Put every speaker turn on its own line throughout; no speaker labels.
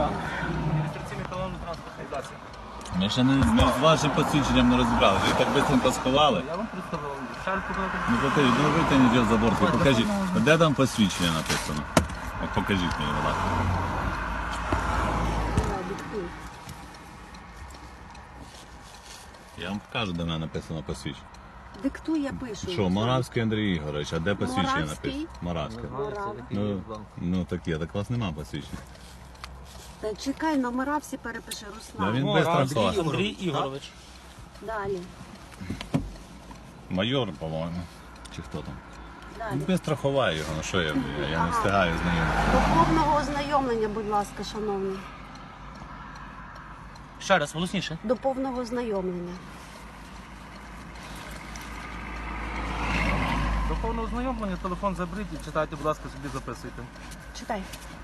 Реєстраційний талон транспортний засіб.
Ми ще ми з вашим посвідченням не розібрали. Ви так швидко сховали.
Я вам представив. Шар показати.
Ну покажіть, ну витягніть його за борт, ви покажіть. Де там посвідчення написано? От покажіть мені, будь ласка. Я вам покажу, де мене написано посвідчення.
Диктуй, я пишу.
Що, Моравський Андрій Ігорович, а де посвідчення
Моравський?
написано? Моравський.
Морав.
Ну так є, так у вас нема посвідчення.
Та чекай, номера всі перепиши,
Да,
Руслан.
він без транспорту.
Андрій Ігорович.
Далі.
Майор, по-моєму. Чи хто там?
Далі.
Він без страховає його, ну що я не встигаю з ним.
До повного ознайомлення, будь ласка, шановний.
Ще раз, голосніше.
До повного ознайомлення.
До повного ознайомлення телефон заберіть і читайте, будь ласка, собі записуйте.
Читай.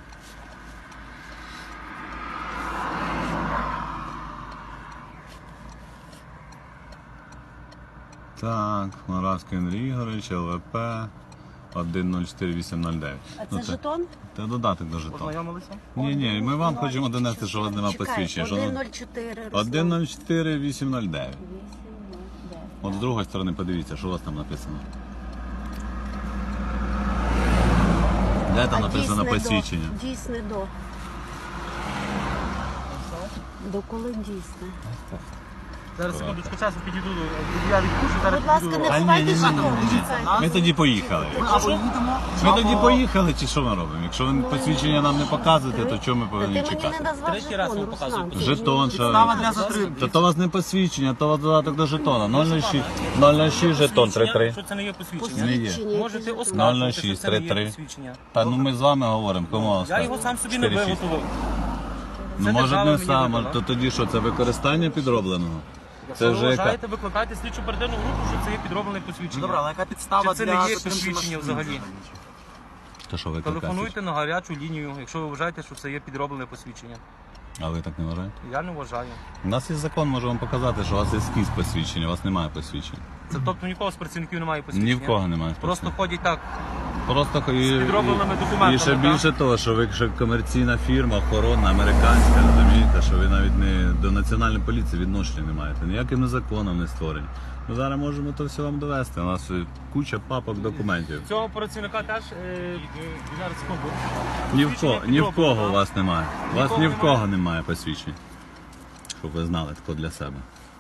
Так, Моравський Андрій Ігорович, ЛВП 104809.
А це жетон?
Це додаток до жетону.
Ознайомилися?
Ні, ми вам хочемо донести, що у вас немає посвідчення.
Чекай,
Що
104, Руслан.
104809. От з другої сторони подивіться, що у вас там написано. Де там написано посвідчення?
Дійсне до. До коли дійсне?
Зараз секундочку часу підійду, я відпущу, зараз
Будь ласка,
підійду.
не
А,
ховайте
ні.
жетон, чекайте.
Ми тоді поїхали.
Або їдемо.
Ми тоді поїхали, чи що ми робимо? Якщо ви посвідчення нам не показуєте, то чого ми
Та
повинні
ти мені не
чекати?
назвав
Третій раз
жетон,
вам показую.
Руслан. Це ж
Жетон,
не-
що...
Підстава для затримки.
То у вас не посвідчення, то у вас додаток до жетона. 006, 006 жетон 33.
Що це не є посвідчення?
Не є.
Посвідчення,
Можете
який жетон?
оскаржувати, що
06,
це не є
33.
посвідчення.
Та ну ми з вами говоримо, кому
Я його сам собі не
4-6.
виготовив.
Ну
Це
може
держава
не
мені
сам,
видала.
то тоді що, це використання підробленого? Це
Якщо
вже
ви
яка?
вважаєте, викликайте слідчу оперативну групу, що це є підроблене посвідчення.
Добре, але яка підстава
Чи це
для
не є
затримки
посвідчення
машини?
взагалі?
То що викликати?
Телефонуйте на гарячу лінію, якщо ви вважаєте, що це є підроблене посвідчення.
А ви так не вважаєте?
Я не вважаю.
У нас є закон, можу вам показати, що у вас є скіз посвідчення, у вас немає посвідчення.
Це тобто нікого з працівників немає посвідчення?
Ні в кого немає
Просто
посвідчення.
ходять так.
Просто
підробленими документами,
І ще
так?
більше того, що ви ще комерційна фірма, охоронна, американська, розумієте, що ви навіть не до національної поліції відношення не маєте, ніяким законом не створені. Ми зараз можемо то все вам довести. У нас куча папок документів.
Цього працівника теж зараз секунду.
Ні в кого у вас немає. У вас ні в
Нікого
кого немає посвідчень. Щоб ви знали, тако для себе.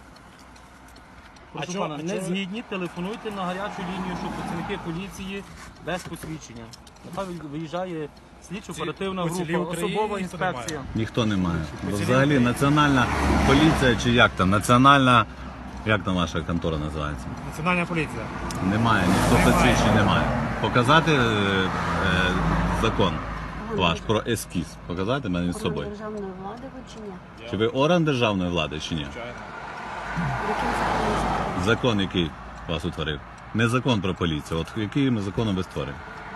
Прошу пана, не згідні, телефонуйте на гарячу лінію, що працівники поліції без посвідчення. Нехай виїжджає слідчо-оперативна група, особова інспекція.
Ніхто не має. Бо взагалі національна поліція чи як там, національна, як там ваша контора називається?
Національна поліція.
Немає, ніхто посвідчень немає. Показати закон ваш про ескіз. Показати мене з
Орган
собою.
державної влади ви чи ні?
Чи ви орган державної влади, чи ні?
Яким законом?
Закон, який вас утворив. Не закон про поліцію. От яким законом ви створили?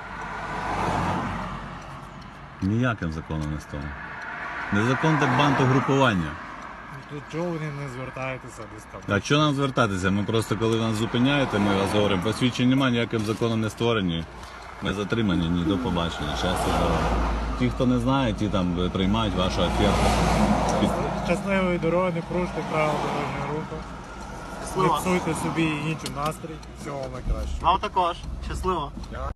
Ніяким законом не створив. Не закон, так бандугрупування.
Тут чого ви не звертаєтеся десь там?
А що нам звертатися? Ми просто, коли нас зупиняєте, ми вас говоримо, посвідчень немає, ніяким законом не створені. Ми затримані, ні до побачення. Щастя, здоров'я. Ті, хто не знає, ті там приймають вашу оферту.
Щасливої дороги, не порушуйте правила дорожнього руху. Не псуйте собі і іншим настрій. Всього найкращого.
Вам також. Щасливо.